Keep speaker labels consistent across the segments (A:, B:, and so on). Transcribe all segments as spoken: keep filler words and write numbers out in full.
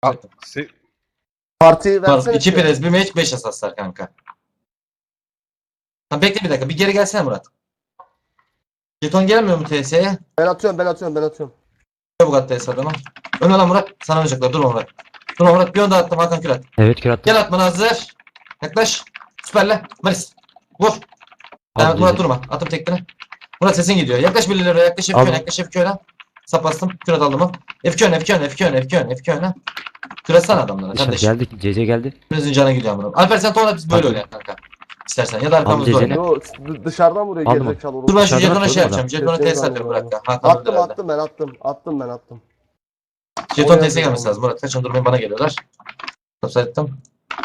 A: Se-
B: Partiyi
C: Var.
B: versene.
C: iki
B: şöyle.
C: prez, bir meç, beş asaslar kanka. Tamam bekle bir dakika. Bir geri gelsene Murat. Jeton gelmiyor mu T S'ye?
B: Ben atıyorum ben atıyorum ben atıyorum.
C: Çabuk at T S adamı. Ön lan Murat. Sana oynayacaklar. Durma Murat. Durma Murat. Bir onda attım. Hakan Kürat.
D: Evet kür attım.
C: Gel atmana hazır. Yaklaş. Süperle. Maris. Vur.
D: Aldım
C: Evet, Murat
D: Cezeni.
C: durma. Atım tekini. Murat sesin gidiyor. Yaklaş birileri. Yaklaş F iki
D: Aldım.
C: öne. Yaklaş F iki öne. Sap bastım. Kürat aldım mı? F iki öne. F iki öne. F iki öne. F iki öne. F iki öne. Küratsana adamlara.
D: Dışarı
C: Kardeşim.
D: geldi. C C geldi.
C: Hepinizin canı gidiyor Murat. Alper sen tuğla biz böyle
D: Aldım.
C: oynayalım kanka. İstersen. Ya da arkamızda
D: Aldım
C: oyna.
B: Yo d- dışarıdan vuruyor
D: Aldım.
B: gerizekalı olur.
C: Dur ben şu
D: Dışarıdan
C: jetona
D: atıyordum
C: şey
D: da.
C: yapacağım. Jetona
B: Jetonu
C: T S atıyorum
B: aldım.
C: bırak. Hakan öldü
B: Attım
C: herhalde.
B: attım ben attım. Attım ben attım.
C: Jeton
B: Oraya
C: T S'ye gelmesi lazım. Murat kaçın durmayın bana geliyorlar. Topsaydım.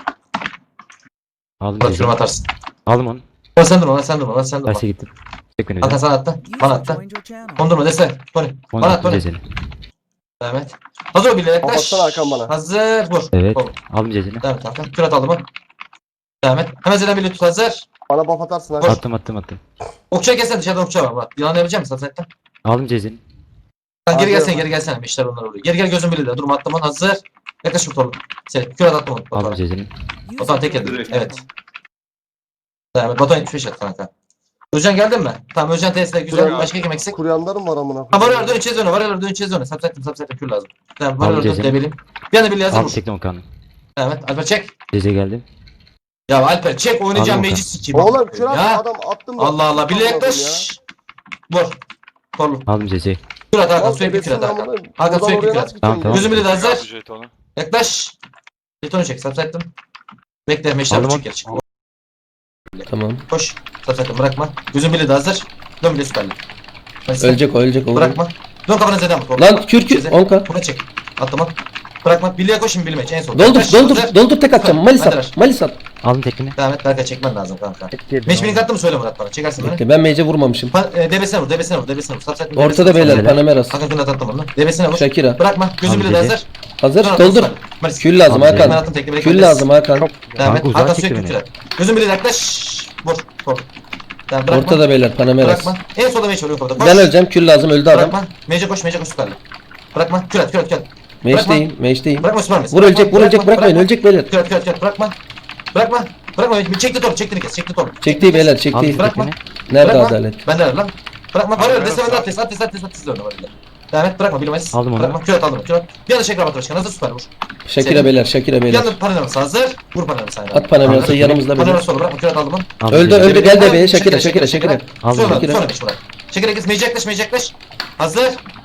D: Aldım
C: Murat
D: C
C: şunu
D: C.
C: atarsın.
D: Aldım onu.
C: Murat sen durma. Murat sen durma. Murat sen durma.
D: Terse gittim. Çek beni.
C: Hakan sana attı. Bana attı. Kondurma dese. Tony.
D: Onu
C: Bana at
D: attım
C: Tony.
D: Cezeni.
C: Evet. Hazır ol bile yaklaş.
B: Kapatsana Hakan bana.
C: Hazır. Vur.
D: Evet.
C: Vur.
D: Aldım Cezeni.
C: Devam et Hakan. Kürat aldı mı? Devam et. Hemen Zeden bile tut hazır.
B: Bana buff atarsın ha.
C: Koş.
D: Attım attım attım.
C: Okçuya gelsene dışarıdan okçuya var Murat. Yılan yapabilecek misin Satset'ten?
D: Aldım Cezeni.
C: Sen geri
B: Hadi
C: gelsene
B: ya.
C: geri gelsene. Beşler onlar oluyor. Geri gel gözün birliğinde. Durma attım onu hazır. Yaklaş bu torlu. Seni. Kürat attım onu.
D: Aldım
C: Batuhan.
D: Cezeni.
C: Batuhan tek yedi.
A: Direkt.
C: Evet. Devam et. Batuhan yetmiş beş at kanka. Özcan geldin mi? Tamam Özcan T S'de güzel.
B: Kuruyan-
C: Başka kim eksik?
B: Kuryanlarım var amına.
C: Ha var dön içe zone. Var dön içe zone. Sapsettim sapsettim kür lazım. Tamam var
D: Aldım
C: dön
D: Cezeni.
C: debelim. Bir anda birliği hazır
D: Aldım
C: vur.
D: tekne Okan'ı.
C: Evet Alper çek.
D: C C geldi.
C: Ya Alper çek oynayacağım
D: Aldım
C: meclis sikeyim.
B: Oğlum kral
C: Ya.
B: adam attım da.
C: Allah Allah birliğe
B: Amına koyayım
C: yaklaş. Vur. Torlu.
D: Aldım C C.
C: Kür at Hakan
B: Lan
C: sürekli kür
B: ebesinin
C: at Hakan.
B: amına-
C: Hakan
B: Oradan
C: sürekli
B: oraya
C: kür at.
B: nasıl
D: Tamam,
B: gideceğim
D: tamam.
B: ya?
C: Gözüm bile de hazır.
A: Aldı jetonu.
C: Yaklaş. Jetonu çek sapsettim. Bekle meşler
D: Aldım
C: çık
D: onu.
C: geri çık.
E: Tamam.
C: Koş. Sapsettim bırakma. Gözüm bile de hazır. Dön bile süperli. Hadi sen.
E: Ölecek o ölecek o.
C: Bırakma. Dön kafana Zeden vur.
E: Lan kür kür
C: Ceze.
E: on k.
C: Buna çek. Atlama. Bırakma. Birliğe koş şimdi bilmeç en son.
E: Doldur
C: Yaklaş,
E: doldur
C: hazır.
E: doldur tek atacağım. Malis
C: Hadi ver.
E: at. Malis at.
D: Aldım tekneni.
C: Devam et. Berkay çekmen lazım kanka. Meç birini kattı mı söyle Murat bana. Çekersin beni.
E: Bekle ben mage'e vurmamışım.
C: Pa e, debesine vur. Debesine vur. Debesine vur. Sapsat.
E: Ortada beyler Panameras.
C: Hakan Künat attım onu. Debesine vur.
E: Shakira.
C: Bırakma. Gözüm
D: Tamam,
C: bile de
D: Cece.
C: hazır.
E: Hazır
C: Sonra
E: doldur.
C: Maris. Maris.
E: Kül lazım
D: Tamam,
C: Ben
E: Hakan.
C: attım tekli.
E: Kül lazım Hakan.
C: Devam et.
D: Kanka, uzağa
C: Hakan
D: çekti
C: sürekli
D: beni.
C: kürat. Gözüm bile de yaklaş. Vur. Vur. Tamam, bırakma.
E: Ortada beyler Panameras.
C: Bırakma. En solda meç oluyor orada. Koş.
E: Ben öleceğim kül lazım öldü adam.
C: Bırakma. Mece koş. Mece koş süperli. Bırakma. Kürat. Kürat. Kürat.
E: Mage'deyim mage'deyim.
C: Bırakma süper misin?
E: Vur ölecek vur ölecek bırakmayın ölecek beyler.
C: Kürat. Kürat. Kürat. Bırakma. Bırakma. Bırakma. Çekti top. Çekti kes. Çekti top.
E: Çekti beyler çekti.
D: Aldım
C: Bırakma.
D: tekneni.
E: Nerede
C: Bırakma.
E: adalet?
C: Ben de lan. Bırakma. Var
A: Abi,
C: öyle. Desene
A: ben
C: ben de
A: sağ-
C: ateş. Ateş. Ateş. Ateş. Ateş. Ateş. Devam et. Bırakma. Bilmez.
D: Aldım onu.
C: Bırakma. Kürat aldım. Kürat. Bir anda Şekra Batı Başkan. Hazır süper vur.
E: Shakira
C: Senin-
E: beyler Shakira
C: Bir
E: beyler.
C: anda Panameras hazır. Vur Panameras'a.
E: At Panameras'ı yanımızda beyler.
C: Panameras olur. Bırakma. Kürat aldım onu.
D: Aldım
E: Öldü
D: Cezeni.
E: öldü gel de be Shakira Shakira Shakira.
D: Aldım
C: Sonra
E: Shakira.
C: sonra beş bırak. Şekere kes. Mece yaklaş. Mece yaklaş. Hazır.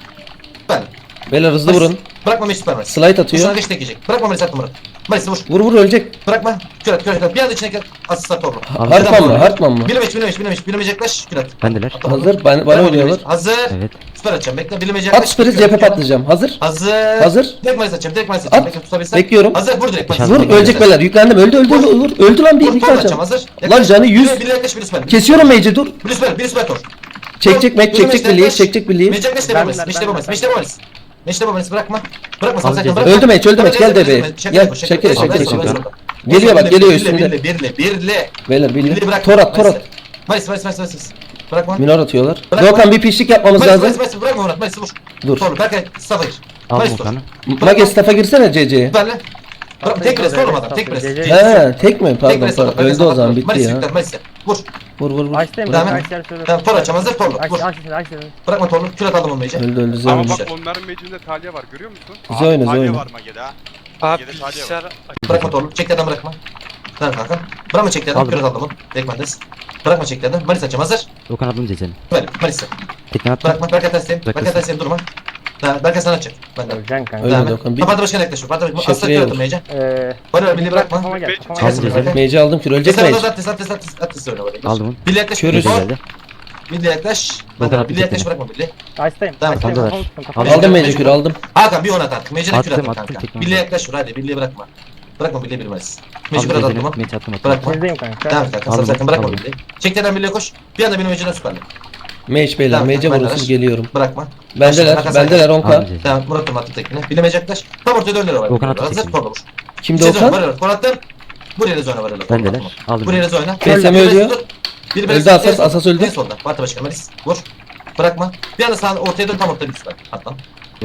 C: Ben.
E: Beyler hızlı vurun.
C: Bırakma Mece süper Maris.
E: Slide
C: Şuna
E: atıyor.
C: geç tek yiyecek. Bırakma Maris attım Murat. Maris'i vur.
E: Vur vur ölecek.
C: Bırakma. Kürat. Kürat. Kürat. Bir anda içine asist at orada.
E: Hartman mı Hartman mı?
C: Bilemeç. Bilemeç. Bilemeç. Bilemeç yaklaş. Kürat.
D: Bendeler.
E: Hazır bana, bana oynuyorlar.
C: Hazır.
D: Evet.
C: Süper atacağım. Bekle. Bilemeç yaklaş.
E: At süperiz cephe patlayacağım. Hazır.
C: Hazır.
E: Hazır.
C: Direkt Maris atacağım. Direkt Maris atacağım.
E: At.
C: Bekle tutabilsen.
E: Bekliyorum.
C: Hazır. Vur direkt. Maris.
D: Vur,
E: Vur ölecek beyler yüklendim öldü öldü öldü öldü, öldü lan bir
C: Vur.
E: iki
C: Torla atacağım.
E: atacağım.
C: Hazır.
E: Lan canı yüz.
C: Bir yaklaş. Bir süper.
E: Kesiyorum mage'i dur.
C: Bir süper. Bir süper tor.
E: Çekecek mek çekecek birliği çekecek birliği.
C: Mecek meşte babanız, meşte babanız, meşte babanız. Meşte babanız bırakma. Bırakma
D: Aldım
C: sakın
D: ceza.
C: bırakma.
E: Öldü meç öldü meç gel de be.
C: Şaka
E: Gel
C: yapma, şaka
E: şekere
C: yapma.
E: şekere
C: Sonra,
E: şekere.
C: sonra.
E: Geliyor bak geliyor
C: Birle,
E: üstünde.
C: Birle birle birle.
E: Beyler
C: Birle
E: birliği.
C: bırak.
E: Torat torat.
C: Maris Maris Maris Maris. Bırakma.
E: Minor atıyorlar.
C: Bırakma.
E: Doğukan bir pişlik yapmamız
C: Maris Maris
E: lazım.
C: Maris bırakma Murat Maris vur.
E: Dur.
C: Sonra Berkay Safir.
D: Aldım
C: Maris dur.
D: Okan'ı.
E: Mage staff'a girsene C C'ye.
C: Süperle. Bırak tek pres sorma adam tek pres.
E: He tek mi?
C: Tek
E: Pardon
C: pres
E: pardon. Öldü o zaman bitti
C: Maris
E: ya.
C: yüklen Maris. Vur.
E: Vur vur vur.
F: Açtım.
C: Devam et.
F: Açtım.
C: Tamam tor açacağım hazır torlu. Vur.
F: Açtım. Açtım.
C: Bırakma torlu. Kürat aldım onu mece.
E: Öldü öldü
A: Ama
E: zevk.
A: bak onların mecinde Talya var görüyor musun?
E: Bize oyna bize
G: Talya
E: oyna.
G: var Mage'de ha.
H: Abi
G: Mage'de Talya var.
H: bilgisayar
C: Bırakma torlu. Çekti adam bırakma. Tamam kanka. Bırakma çekti adam.
D: Aldım.
C: Kürat aldım onu. Dekmendes. Bırakma çekti adam. Maris açacağım hazır.
D: Okan aldım Cezeni.
C: Böyle Maris'e.
D: Tekne attım.
C: Bırakma Berkay tersteyim. Berkay
D: Bırakırsın.
C: tersteyim durma. Tamam Berkay sana atacak. Ben de.
F: Öleceksin kanka.
E: Öyle
C: Devam et.
E: Doğukan, bir-
C: Kapadı başkan yaklaşıyor. Parti başkan. Asla
E: Şekriye
C: kıratım
E: vur.
C: Meyce.
F: Eee.
C: Bana ver, birliği bırakma.
F: Kafama gel.
A: Be-
F: Kafama
C: Çekersin
F: gel.
D: Aldım
C: Berkay.
E: Mage'i aldım kür ölecek
C: Mesela
E: mage.
C: orada atlas atlas atlas atlas oyna böyle.
D: Aldım onu.
C: Birliği yaklaş.
E: Körüz.
C: Birliği
D: Geldi.
C: Birliği yaklaş.
D: Bakın
C: Ben de
D: abi,
C: birliği yaklaş
D: tekne.
C: bırakma birliği.
F: Açtım.
C: Tamam,
F: Açtım.
D: tamam.
F: Kafamı tuttum, kafamı
E: Aldım
C: Mecbur.
E: mage kür aldım.
C: Hakan bir on at artık. Mecine
D: Attım,
C: kür atma
D: attım,
C: kanka.
D: tekme
C: Birliği
D: attım.
C: yaklaş hadi birliği bırakma. Bırakma birliği bilmez. Mecbur
D: Aldım
C: kür atma.
D: Cezeni. Meç attım attım.
C: Bırakma.
F: Sizdeyim kanka.
C: Devam et kanka.
D: Aldım,
C: Sakın bırakma
D: aldım.
C: birliği. Çektiğinden birliğe koş. Bir anda benim mecine süperle.
E: Mage beyler
C: Tamam,
E: mage'e
C: ben de
E: vurursunuz
C: ver.
E: geliyorum.
C: Bırakma.
E: Bendeler
C: Hakan
E: bendeler on
D: Aldım
E: k.
D: Cezeni.
C: Devam et. Murat'ım attı tekine. Bilemeyecek yaklaş. Tam ortaya döndüler var.
D: Okan attı
C: Hazır
D: tekini.
C: torla vur.
E: Kimde
C: Sezon var
E: Okan?
C: öyle. Konattın. Buraya da oyna var öyle.
D: Bendeler. Aldım.
C: Buraya da oyna.
E: Besleme
C: Bir
E: ölüyor.
C: tut. Bir
E: Öldü
C: besleme,
E: Asas,
C: en son-
E: Asas öldü.
C: En solda. Parti başkanı Maris. Vur. Bırakma. Bir anda sağ ortaya dön tam ortaya bir süper. Hatta.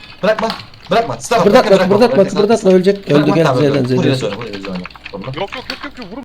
C: Bırakma. Bırakma. Stop.
E: Kıpırdatma
C: Bırakma,
E: kıpırdatma
C: bırakma.
E: kıpırdatma ölecek. Öldü
C: Bırakma,
E: gel
C: tamam,
E: Z'den
C: öldü. Buraya
E: Z'den.
C: söyle, buraya söyle. Soluna.
A: Yok yok yok yok yok vur.